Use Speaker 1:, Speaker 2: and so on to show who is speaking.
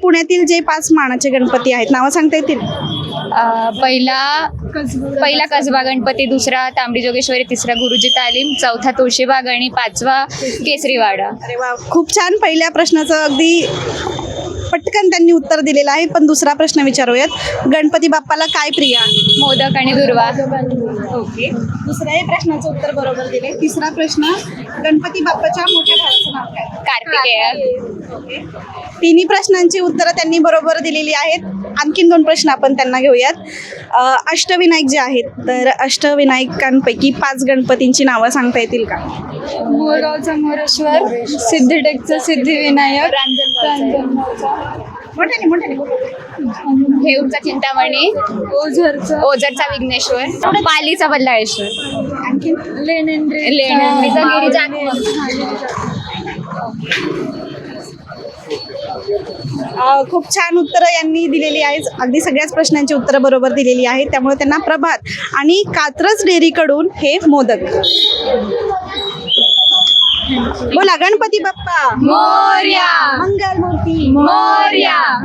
Speaker 1: पुण्यातील जे 5 मानाचे गणपती आहेत नावं सांगता येतील?
Speaker 2: पहिला कसबा गणपती, दुसरा तांबडी जोगेश्वरी, तिसरा गुरुजी तालीम, चौथा तुळशीबाग आणि 5वा केसरीवाडा.
Speaker 1: अरे वा, खूप छान. पहिल्या प्रश्नाचं अगदी पटकन त्यांनी उत्तर दिलेलं आहे. पण दुसरा प्रश्न विचारूयात. गणपती बाप्पाला काय प्रिय आहे?
Speaker 2: मोदक आणि दुर्वा.
Speaker 1: ओके, दुसऱ्याही प्रश्नाचं उत्तर बरोबर दिले. तिसरा प्रश्न, गणपती बाप्पाच्या मोठ्या भावाचं नाव काय?
Speaker 2: कार्तिकेय.
Speaker 1: ओके, तिन्ही प्रश्नांची उत्तरं त्यांनी बरोबर दिलेली आहेत. आणखीन 2 प्रश्न आपण त्यांना घेऊयात. अष्टविनायक जे आहेत, तर अष्टविनायकांपैकी 5 गणपतींची नावं सांगता येतील का?
Speaker 2: मोरगावचा मोरेश्वर, सिद्धिटेकचा सिद्धिविनायक, हेऊरचा चिंतामणी, ओझरचा विघ्नेश्वर, पालीचा बल्लाळेश्वर,
Speaker 1: आणखीन
Speaker 2: लेण्यांचा गिरिजा.
Speaker 1: खूप छान उत्तरं यांनी दिलेली आहेत. अगदी सगळ्याच प्रश्नांची उत्तरं बरोबर दिलेली आहेत. त्यामुळे त्यांना प्रभात आणि कात्रज डेअरीकडून हे मोदक. बोला गणपती बाप्पा
Speaker 2: मोरया.
Speaker 1: मंगलमूर्ती
Speaker 2: मोरया.